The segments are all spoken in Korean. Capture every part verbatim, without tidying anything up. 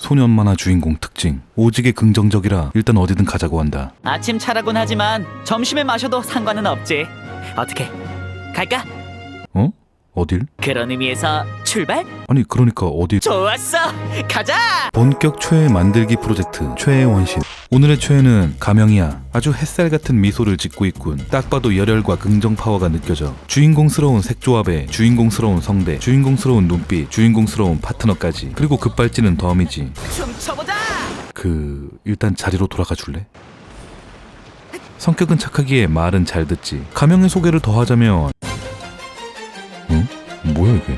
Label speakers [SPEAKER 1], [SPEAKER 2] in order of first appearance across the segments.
[SPEAKER 1] 소년 만화 주인공 특징. 오지게 긍정적이라 일단 어디든 가자고 한다.
[SPEAKER 2] 아침 차라곤 하지만 점심에 마셔도 상관은 없지. 어떻게 갈까?
[SPEAKER 1] 어? 어딜?
[SPEAKER 2] 그런 의미에서 출발?
[SPEAKER 1] 아니 그러니까 어딜?
[SPEAKER 2] 좋았어, 가자.
[SPEAKER 1] 본격 최애 만들기 프로젝트 최애 원신. 오늘의 최애는 가명이야. 아주 햇살 같은 미소를 짓고 있군. 딱 봐도 열혈과 긍정 파워가 느껴져. 주인공스러운 색조합에 주인공스러운 성대, 주인공스러운 눈빛, 주인공스러운 파트너까지. 그리고 급발진은 덤이지.
[SPEAKER 2] 춤춰보자.
[SPEAKER 1] 그... 일단 자리로 돌아가 줄래? 성격은 착하기에 말은 잘 듣지. 가명의 소개를 더 하자면 응? 뭐야 이게?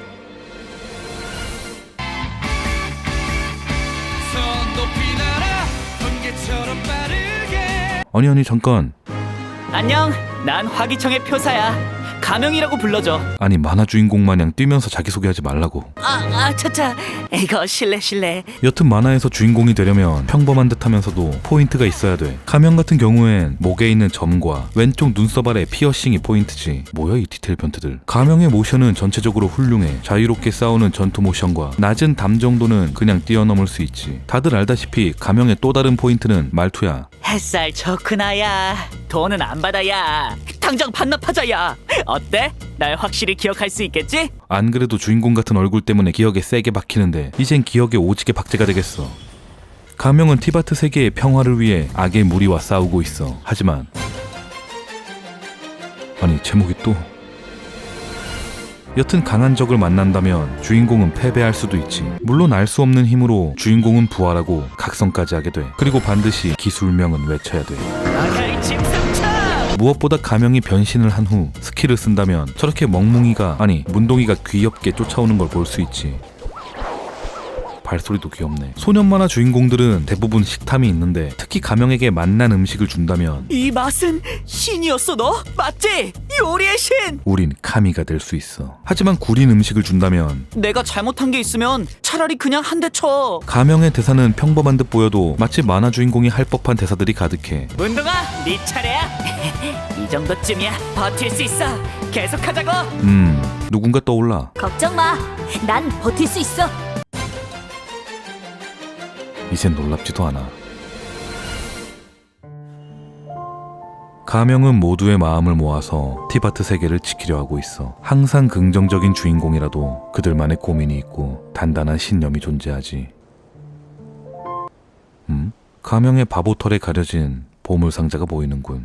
[SPEAKER 1] 아니 아니 잠깐.
[SPEAKER 2] 안녕, 난 화기청의 표사야. 가명이라고 불러줘.
[SPEAKER 1] 아니 만화 주인공 마냥 뛰면서 자기소개하지 말라고.
[SPEAKER 2] 아, 아, 차차. 이거 실례 실례.
[SPEAKER 1] 여튼 만화에서 주인공이 되려면 평범한 듯 하면서도 포인트가 있어야 돼. 가명 같은 경우엔 목에 있는 점과 왼쪽 눈썹 아래 피어싱이 포인트지. 뭐야 이 디테일 변태들. 가명의 모션은 전체적으로 훌륭해. 자유롭게 싸우는 전투 모션과 낮은 담 정도는 그냥 뛰어넘을 수 있지. 다들 알다시피 가명의 또 다른 포인트는 말투야.
[SPEAKER 2] 햇살 좋구나야. 돈은 안 받아야. 당장 반납하자야. 어때? 날 확실히 기억할 수 있겠지?
[SPEAKER 1] 안 그래도 주인공 같은 얼굴 때문에 기억에 세게 박히는데 이젠 기억에 오지게 박제가 되겠어. 가명은 티바트 세계의 평화를 위해 악의 무리와 싸우고 있어. 하지만 아니 제목이 또 여튼 강한 적을 만난다면 주인공은 패배할 수도 있지. 물론 알 수 없는 힘으로 주인공은 부활하고 각성까지 하게 돼. 그리고 반드시 기술명은 외쳐야 돼.
[SPEAKER 2] 아가리 침상차.
[SPEAKER 1] 무엇보다 가명이 변신을 한 후 스킬을 쓴다면 저렇게 멍뭉이가 아니 문동이가 귀엽게 쫓아오는 걸 볼 수 있지. 발소리도 귀엽네. 소년 만화 주인공들은 대부분 식탐이 있는데 특히 가명에게 맛난 음식을 준다면
[SPEAKER 2] 이 맛은 신이었어. 너 맞지? 요리의 신.
[SPEAKER 1] 우린 카미가 될 수 있어. 하지만 구린 음식을 준다면
[SPEAKER 2] 내가 잘못한 게 있으면 차라리 그냥 한 대 쳐.
[SPEAKER 1] 가명의 대사는 평범한 듯 보여도 마치 만화 주인공이 할 법한 대사들이 가득해.
[SPEAKER 2] 문동아, 네 차례야. 이 정도쯤이야. 버틸 수 있어. 계속하자고.
[SPEAKER 1] 음 누군가 떠올라.
[SPEAKER 3] 걱정 마. 난 버틸 수 있어.
[SPEAKER 1] 이젠 놀랍지도 않아. 가명은 모두의 마음을 모아서 티바트 세계를 지키려 하고 있어. 항상 긍정적인 주인공이라도 그들만의 고민이 있고 단단한 신념이 존재하지. 음? 가명의 바보털에 가려진 보물상자가 보이는군.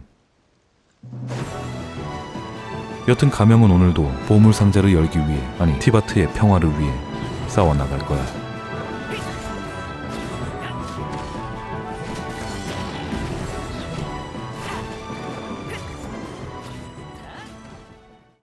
[SPEAKER 1] 여튼 가명은 오늘도 보물상자를 열기 위해 아니 티바트의 평화를 위해 싸워나갈 거야.